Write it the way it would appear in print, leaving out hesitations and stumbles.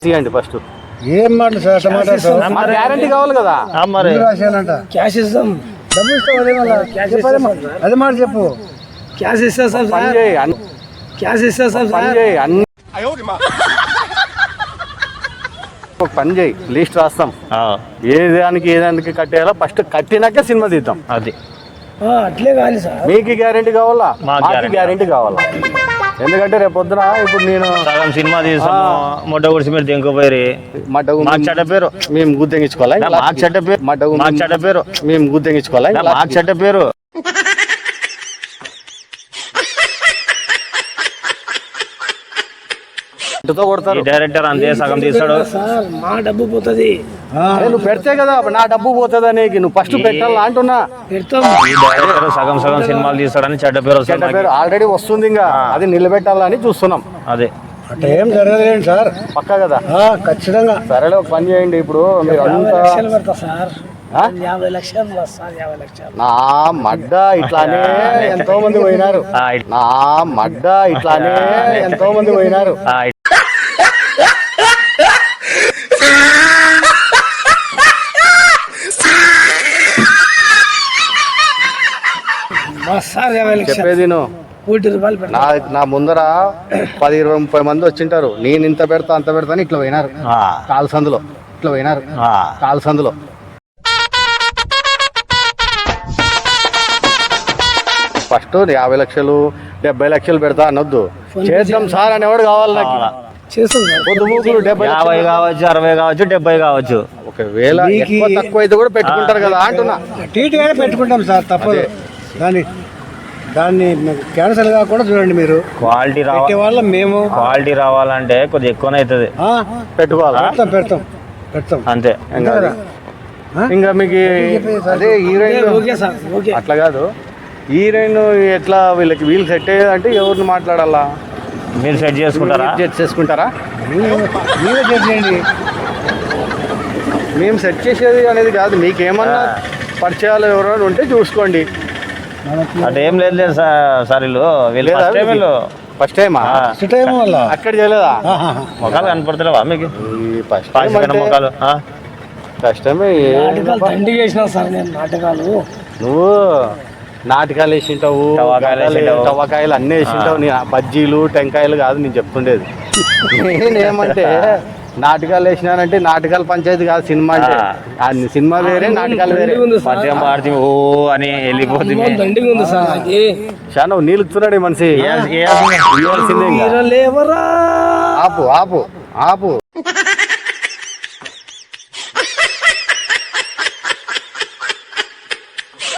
తీయండి ఫస్ట్. ఏం మాట సార్ టమాటా గ్యారంటీ కావాలి కదా. రాశానంట క్యాష్ ఇస్తాం, డబ్బులు ఇస్తాం. అదే మళ్ళా అదే మాట చెప్పు. క్యాష్ ఇస్తాం పని సార్, చేయి క్యాష్ ఇస్తాం పని సార్. చేయి అన్ని ఒక పని చేయి, లిస్ట్ రాస్తాం. ఏదానికి కట్టేయాలో ఫస్ట్ కట్టినాక సినిమా తీద్దాం. అది అట్లే కాదు సార్, మీకు గ్యారంటీ కావాలా, మాకు మాకు గ్యారంటీ కావాలా. ఎందుకంటే రేపు పొద్దున ఇప్పుడు నేను సగం సినిమా తీస్తాము, మొట్ట గుడిసి మీరు దింకపోయి మాకు చెడ్డ పేరు, మేము గుర్తించుకోవాలి. మాకు చెడ్డ పేరు, మాకు చెడ్డ పేరు, మేము గుర్తించుకోవాలి. మాకు చెడ్డ పేరు. కొడతారు డైరెక్టర్ అంతే సగం తీస్తాడు సార్. మా డబ్బు పోతుంది, నువ్వు పెడితే కదా నా డబ్బు పోతుంది అనేది. నువ్వు ఫస్ట్ పెట్టాలా అంటున్నా. పెడతాం. ఈ డైరెక్టర్ సగం సగం సినిమాలు తీస్తాడని చెడ్డ పేరు చెడ్డ వస్తుంది. పేరు ఆల్రెడీ వస్తుంది, ఇంకా అది నిలబెట్టాలని చూస్తున్నాం. అదే అట్లా ఏం జరగలేదు సార్, పక్కా కదా. ఖచ్చితంగా. సరేలే ఒక పని చేయండి. ఇప్పుడు మీరు 50 అంతా లక్షలు పెడతా సార్. 50 లక్షలు సార్, 50 లక్షలు. నా మడ్డ ఇట్లానే ఎంతో మంది పోయినారు. నా మడ్డ ఇట్లానే ఎంతో మంది పోయినారు. సార్ 50 లక్షలు, చెప్పేది నువ్వు. 1 కోటి రూపాయలు పెడతా. నా ముందర 10, 20, 30 మంది వచ్చింటారు. నేను ఇంత పెడతా అంత పెడతా అని ఇట్లా పోయినారు. కాలు సందులో ఇట్లా పోయినారు. కాలు సందులో ఫస్ట్ 50 లక్షలు 70 లక్షలు పెడతా అనొద్దు. చేద్దాం సార్ అనేవాడు కావాలి నాకు. చేస్తాం సార్. పొద్దు మూకులు 70 50 కావచ్చు, 60 కావచ్చు, 70 కావచ్చు. ఒకవేళ ఎక్కువ తక్కువ అయితే కూడా పెట్టుకుంటారు కదా అంటున్నా. టీటీగానే పెట్టుకుంటాం సార్, తప్పదు. దాన్ని క్యాన్సల్ కాకుండా చూడండి మీరు. క్వాలిటీ వాళ్ళ మేము క్వాలిటీ రావాలంటే కొద్దిగా ఎక్కువనే అవుతుంది. పెట్టుకోవాలా? పెడతాం అంతే. ఇంకా మీకు అదే హీరోయిన్ ఓకే సార్, ఓకే. అట్లా కాదు. హీరోయిన్ ఎట్లా వీళ్ళు సెట్ అయ్యేదంటే ఎవరిని మాట్లాడాలా? మీరు సెట్ చేసుకుంటారా? చేసుకుంటారా? మీరే చేసేయండి. మేము సెట్ చేసేది అనేది కాదు. మీకేమన్నా పరిచయాలు ఎవరైనా ఉంటే చూసుకోండి. అంటే ఏం లేదు సార్, వీళ్ళు ఫస్ట్ టైమా వల్ల అక్కడ చేయలేదా? మొక్కలు కనపడతలేవా మీకు? ఫస్ట్ మొక్కలు ఫస్ట్ టైమే. నాటకాలు దండిగా వేసినా సార్ నేను. నాటకాలు నువ్వు నాటకాలు వేసింటావు, తవ్వకాయలు అన్నీ వేసింటావు. నీ బజ్జీలు టెంకాయలు కాదు నేను చెప్తుండేది. నేనేమంటే నాటకాలు వేసినానంటే నాటకాల పంచాయతీ కాదు సినిమా అంటే. సినిమా వేరే, నాటకాలు వేరే. మద్యం పాడితే ఓ అని వెళ్ళిపోతుంది. దండిగా ఉంది సార్. అది చాలా నీళ్ళుతున్నాడు ఈ మనిషి. లేవరా. ఆపు ఆపు ఆపు